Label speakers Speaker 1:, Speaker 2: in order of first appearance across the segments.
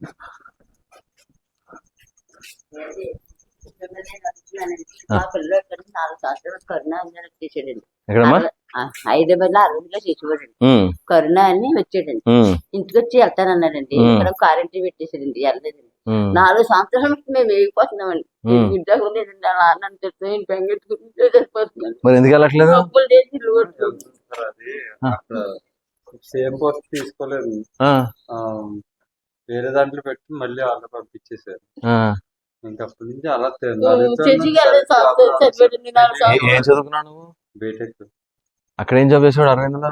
Speaker 1: మా పిల్లలు 4 సంవత్సరాలు కరుణ అని వచ్చేసాడండి.
Speaker 2: ఎక్కడమ్మా?
Speaker 1: హైదరాబాద్ లో అరవింద్లో చేసేవాడండి. కరుణ అని వచ్చాడండి. ఇంటికి వచ్చి వెళ్తానన్నాడండి. ఇక్కడ కారెంటీ పెట్టేసాడండి. వెళ్ళలేదండి. 4 సంవత్సరాల నుంచి మేము వేగిపోతున్నామండి. ఉద్యోగం లేదండి. అలా అన్నం తెచ్చి బెంగెట్టుకుంటే సరిపోతున్నాను.
Speaker 2: మరి ఎందుకు వెళ్ళట్లేదు?
Speaker 1: డబ్బులు లేని లోటు.
Speaker 3: సేమ్ పోస్ట్ తీసుకోలేదు, వేరే దాంట్లో పెట్టి మళ్ళీ వాళ్ళు పంపించేసారు. ఇంకా అప్పటి నుంచి అలా
Speaker 2: ఏం చదువుకున్నావు నువ్వు?
Speaker 3: బీటెక్.
Speaker 2: అక్కడ ఏం జాబ్ చేసాడు అరవింద్?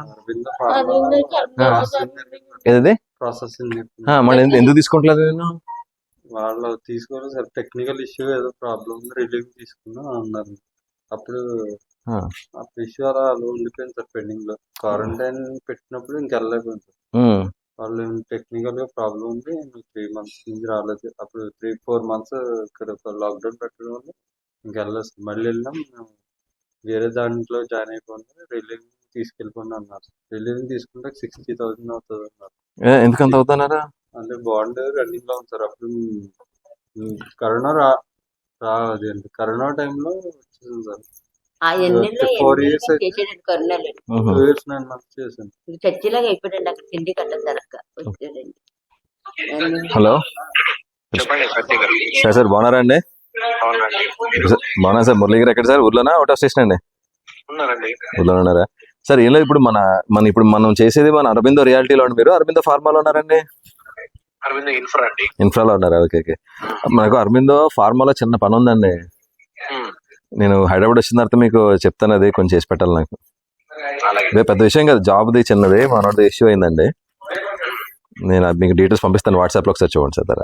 Speaker 2: ఏది
Speaker 3: ప్రాసెసింగ్.
Speaker 2: మళ్ళీ ఎందుకు తీసుకుంటలేదు నేను?
Speaker 3: వాళ్ళు తీసుకోలేదు సార్, టెక్నికల్ ఇష్యూ ఏదో ప్రాబ్లం ఉంది, రిలీవ్ తీసుకున్నా అన్నారు. అప్పుడు ఇష్యూ అలా ఉండిపోయింది సార్ పెండింగ్ లో. క్వారంటైన్ పెట్టినప్పుడు ఇంకెళ్ళలేకపోయింది సార్. వాళ్ళు టెక్నికల్ గా ప్రాబ్లం ఉంది, 3 months నుంచి రాలేదు. అప్పుడు 3-4 months ఇక్కడ లాక్డౌన్ పెట్టడం వల్ల ఇంకెళ్ళలేదు సార్. మళ్ళీ వెళ్ళాం, వేరే దాంట్లో జాయిన్ అయిపోయింది, రిలీవ్ తీసుకెళ్ళిపోండి అన్నారు. రిలీవ్ తీసుకుంటే 60,000 అవుతుంది అన్నారు.
Speaker 2: ఎందుకంత అవుతున్నారా?
Speaker 3: అంటే బాండ్ రన్నింగ్ లో ఉంది సార్. అప్పుడు కరోనా అదేంటి కరోనా టైంలో వచ్చింది సార్. 4 years 2 years 9 months చేశాను.
Speaker 1: చర్చిలాగా అయిపోయాడండి. అక్కడ తిండి కట్టేసరక్క వచ్చాడండి.
Speaker 2: హలో సార్, సార్ బాగున్నారా అండి? బాగున్నా సార్. మురళీ గారు ఎక్కడ సార్? ఊర్లోనా, అవుట్ ఆఫ్ స్టేషన్ అండి? ఊర్లో ఉన్నారా సార్? ఏం లేదు, ఇప్పుడు ఇప్పుడు మనం చేసేది మన అరబిందో రియాలిటీలో ఉండి, మీరు అరబిందో ఫార్మాలో ఉన్నారండి? ఇన్ఫ్రాలో ఉన్నారా? Okay okay. మనకు అరబిందో ఫార్మాలో చిన్న పని ఉందండి. నేను హైదరాబాద్ వచ్చిన తర్వాత మీకు చెప్తాను, అది కొంచెం చేసి పెట్టాలి నాకు. అదే పెద్ద విషయం కదా, జాబ్ది చిన్నది, మనోడిది ఇష్యూ అయిందండి. నేను మీకు డీటెయిల్స్ పంపిస్తాను, వాట్సాప్ లో ఒకసారి చూడండి సార్.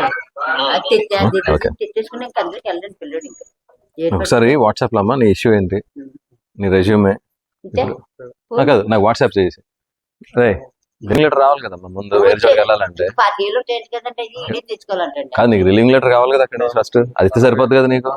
Speaker 2: ఓకే, ఒకసారి వాట్సాప్ లో అమ్మా నీ ఇష్యూ ఏంటి, నీ రెజ్యూమే కాదు నాకు వాట్సాప్ చేసి. అదే రిలీవింగ్ లెటర్ రావాలి కదమ్మా, ముందు వేరే చోటుకి వెళ్ళాలంటే. కాదు, నీకు రిలీవింగ్ లెటర్ కావాలి కదా అక్కడ ఫస్ట్, అది ఇస్తే సరిపోద్ది కదా నీకు.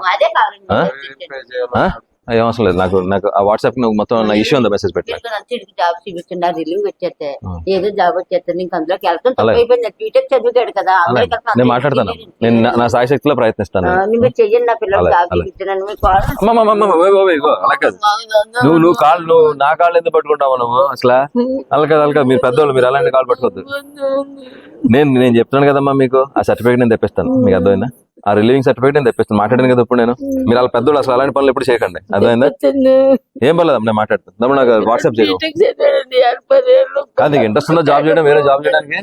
Speaker 2: ఏం అవసరం లేదు, నాకు ఆ వాట్సాప్ నువ్వు మొత్తం నా ఇష్యూ ఉందా మెసేజ్ పెట్టా.
Speaker 1: జాబ్ చూపిస్తున్నారు, రిలీవ్ వచ్చేస్తే ఏదో జాబ్ వచ్చేస్తే నీకు అందులోకి వెళ్తాను. బీటెక్ చదువుతాడు కదా,
Speaker 2: నేను మాట్లాడతాను, నేను నా సాయశక్తిలో ప్రయత్నిస్తాను.
Speaker 1: మీరు చెయ్యండి, నా పిల్లలు జాబ్ చూపించాను.
Speaker 2: నువ్వు కాళ్ళు నా కాళ్ళు ఎందుకు పట్టుకుంటావు నువ్వు అసలు? అలకాదు, మీరు పెద్దవాళ్ళు, మీరు అలాంటి కాళ్ళు పట్టుకోవద్దు. నేను చెప్తున్నాను కదమ్మా మీకు, ఆ సర్టిఫికేట్ నేను తెప్పిస్తాను, మీకు అర్థమైందా? ఆ రిలీవింగ్ సర్టిఫికేట్ నేను తెప్పిస్తాను. మాట్లాడాను కదా ఇప్పుడు నేను. మీరు అలా పెద్దోళ్ళు, అసలు అలాంటి పనులు ఎప్పుడు చేయకండి, అర్థమైందా? ఏం పర్లేదు, నేను మాట్లాడతాను. నాకు వాట్సాప్ చేయడం కాదు. నీకు ఇంట్రెస్ట్ ఉందా జాబ్ చేయడం, వేరే జాబ్ చేయడానికి?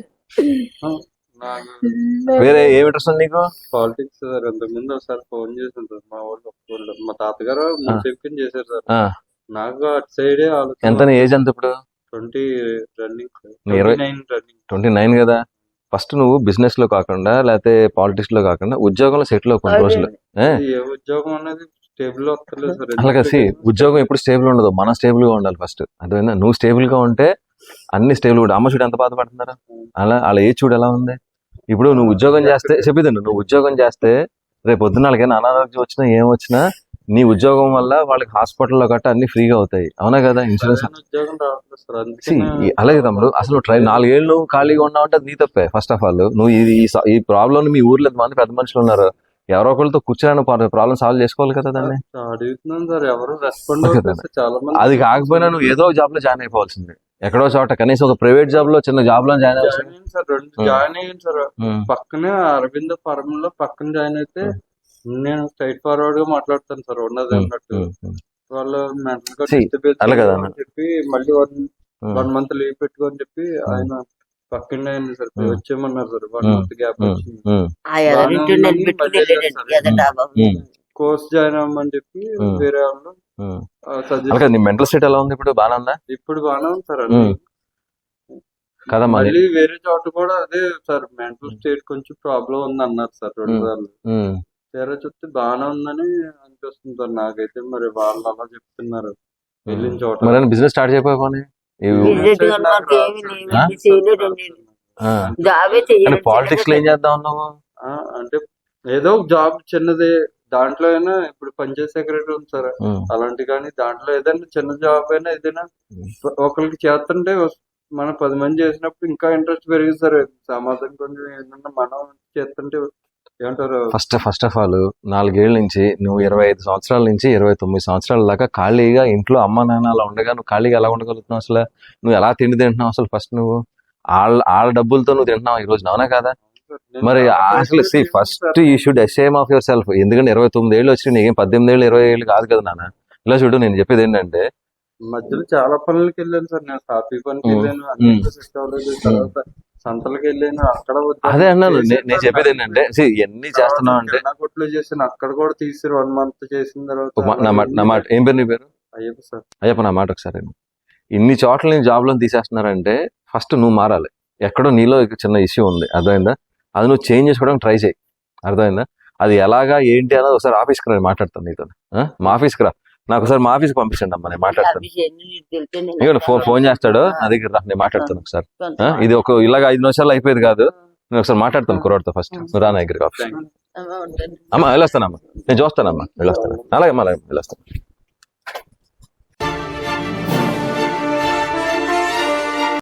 Speaker 2: వేరే ఏం ఇంట్రెస్ట్ ఉంది నీకు?
Speaker 3: Politics sir. అంతకుముందు ఒకసారి ఫోన్ చేశాను సార్, మా వాళ్ళు, మా తాతగారు చేశారు సార్. నాకు అటు సైడే ఆలోచన.
Speaker 2: ఎంత నీ ఏజ్? ఎంత ఇప్పుడు?
Speaker 3: 20 రన్నింగ్.
Speaker 2: 29 కదా. ఫస్ట్ నువ్వు బిజినెస్ లో కాకుండా, లేకపోతే పాలిటిక్స్ లో కాకుండా ఉద్యోగంలో సెటిల్ అవ్వ కొన్ని రోజులు.
Speaker 3: ఉద్యోగం అనేది స్టేబుల్ వస్తలేదు సార్.
Speaker 2: అలాగే ఉద్యోగం ఎప్పుడు స్టేబుల్ ఉండదు, మనం స్టేబుల్ గా ఉండాలి ఫస్ట్, అర్థమైందా? నువ్వు స్టేబుల్ గా ఉంటే అన్ని స్టేబుల్ కూడా. అమ్మ చూడు ఎంత బాధపడుతున్నారా, అలా ఏ చూడు ఎలా ఉంది. ఇప్పుడు నువ్వు ఉద్యోగం చేస్తే చెప్పిదండి, నువ్వు ఉద్యోగం చేస్తే రేపు పొద్దున్న వాళ్ళకైనా అనారోగ్యం వచ్చినా ఏం వచ్చినా నీ ఉద్యోగం వల్ల వాళ్ళకి హాస్పిటల్లో గట్రా అన్ని ఫ్రీగా అవుతాయి, అవునా కదా? ఇన్సూరెన్స్. అలాగే తమ్ముడు, అసలు 4 ఏళ్ళు ఖాళీగా ఉన్నావంటే అది నీ తప్పే. ఫస్ట్ ఆఫ్ ఆల్ నువ్వు ఈ ప్రాబ్లం మీ ఊర్లో ఎంతమంది పెద్ద మనుషులు ఉన్నారు, ఎవరో ఒకరితో కూర్చొని ప్రాబ్లం సాల్వ్ చేసుకోవాలి కదా దాన్ని. అది కాకపోయినా నువ్వు ఏదో జాబ్ లో జాయిన్ అయిపోవాల్సింది, ఎక్కడో చోట కనీసం ఒక ప్రైవేట్ జాబ్ లో, చిన్న జాబ్ లో జాయిన్
Speaker 3: అయ్యాను సార్. పక్కనే అరవింద ఫార్మ్ లో పక్కన జాయిన్ అయితే నేను స్ట్రైట్ ఫార్వర్డ్ గా మాట్లాడతాను సార్, ఉన్నది అన్నట్టు. వాళ్ళు మెంటల్ గా చెప్పి మళ్ళీ 1 month లీవ్ పెట్టుకోని చెప్పి ఆయన పక్కనే అయింది సార్, వచ్చేయమన్నారు సార్. 1 month గ్యాప్ వచ్చింది. కోర్స్ జాయిన్ అవ్వమని చెప్పి వేరే వాళ్ళు
Speaker 2: నీ మెంటల్ స్టేట్ ఎలా ఉంది ఇప్పుడు? బాగా ఉందా?
Speaker 3: ఇప్పుడు బాగానే ఉంది సార్. కదమ్మా, మళ్ళీ వేరే చోట కూడా అదే సార్, మెంటల్ స్టేట్ కొంచెం ప్రాబ్లం ఉంది అన్నారు సార్ 2 సార్లు. వేరే చెప్తే బాగానే ఉందని అనిపిస్తుంది సార్ నాకైతే. మరి వాళ్ళు అలా చెప్తున్నారు వెళ్ళిన చోట.
Speaker 2: బిజినెస్ స్టార్ట్ చేయకపోయి పాలిటిక్స్ లో ఏం చేద్దాం ఉన్నావు
Speaker 3: అంటే ఏదో జాబ్ చిన్నది దాంట్లో అయినా, ఇప్పుడు పంచాయత్ సెక్రటరీ ఉంది సార్, అలాంటి కానీ దాంట్లో ఏదైనా చిన్న జాబ్ అయినా ఏదైనా ఒకరికి చేస్తుంటే మన 10 మంది చేసినప్పుడు ఇంకా ఇంట్రెస్ట్ పెరిగింది సార్. సమాజం కొంచెం ఏంటంటే మనం చేస్తుంటే ఏమంటారు,
Speaker 2: ఫస్ట్ ఆఫ్ ఆల్ 4 ఏళ్ల నుంచి నువ్వు 25 సంవత్సరాల నుంచి 29 సంవత్సరాల దాకా ఖాళీగా ఇంట్లో అమ్మ నాన్న అలా ఉండగా నువ్వు ఖాళీగా ఎలా ఉండగలుగుతున్నావు? అసలు నువ్వు ఎలా తిండి తింటున్నావు? అసలు ఫస్ట్ నువ్వు వాళ్ళ డబ్బులతో నువ్వు తింటున్నావు ఈ రోజు, అవునా కదా?
Speaker 3: నేను
Speaker 2: మరి
Speaker 3: చాలా
Speaker 2: అసలు
Speaker 3: చేశాను
Speaker 2: first
Speaker 3: sir.
Speaker 2: You should ashamed of yourself. ఎందుకంటే 29 ఏళ్ళు వచ్చి నీకేం 18 ఏళ్ళు 20 ఏళ్ళు కాదు కదా నాన్న. ఇలా చూడు, నేను చెప్పేది ఏంటంటే
Speaker 3: మధ్యలో చాలా పనులకి వెళ్ళాను సార్. నేను కాఫీ పనికి వెళ్ళాను, అన్నింటిలో సెట్ అవ్వలేదు. తర్వాత సంతలకు వెళ్ళాను, అక్కడ
Speaker 2: అదే అన్నాను.
Speaker 3: చేశాను
Speaker 2: నేను
Speaker 3: సార్.
Speaker 2: చెప్పేది ఏంటంటే ఎన్ని చేస్తున్నావు అంటే
Speaker 3: కిరాణా కొట్లో చేశాను, అక్కడ కూడా తీసారు 1 మంత్ చేసిన తర్వాత.
Speaker 2: నా మాట ఏం పేరు నీ పేరు?
Speaker 3: అయ్యప్ప సార్.
Speaker 2: అయ్యప్ప, నా మాట ఒకసారి విను. ఇన్ని చోట్ల నేను జాబ్లో తీసేస్తున్నారంటే ఫస్ట్ నువ్వు మారాలి. ఎక్కడో నీలో చిన్న ఇష్యూ ఉంది, అర్థమైందా? అది నువ్వు చేంజ్ చేసుకోవడానికి ట్రై చేయి, అర్థమైందా? అది ఎలాగా ఏంటి అన్నది ఒకసారి ఆఫీస్కి రా, నేను మాట్లాడతాను నీతో. మా ఆఫీస్కి రా, నాకు ఒకసారి మా ఆఫీస్కి పంపించండి అమ్మా, నేను మాట్లాడతాను. ఇక ఫోన్ చేస్తాడు, నా దగ్గర రా, నేను మాట్లాడతాను ఒకసారి. ఇది ఒక ఇలాగ 5 నిమిషాలు అయిపోయేది కాదు, నేను ఒకసారి మాట్లాడతాను కుర్రాడితో. ఫస్ట్ నువ్వు రా నా దగ్గరికి ఆఫీస్. అమ్మా వెళ్ళొస్తానమ్మా, నేను చూస్తానమ్మా, వెళ్ళొస్తాను. అలాగే అమ్మా, అలాగే వెళ్ళొస్తాను.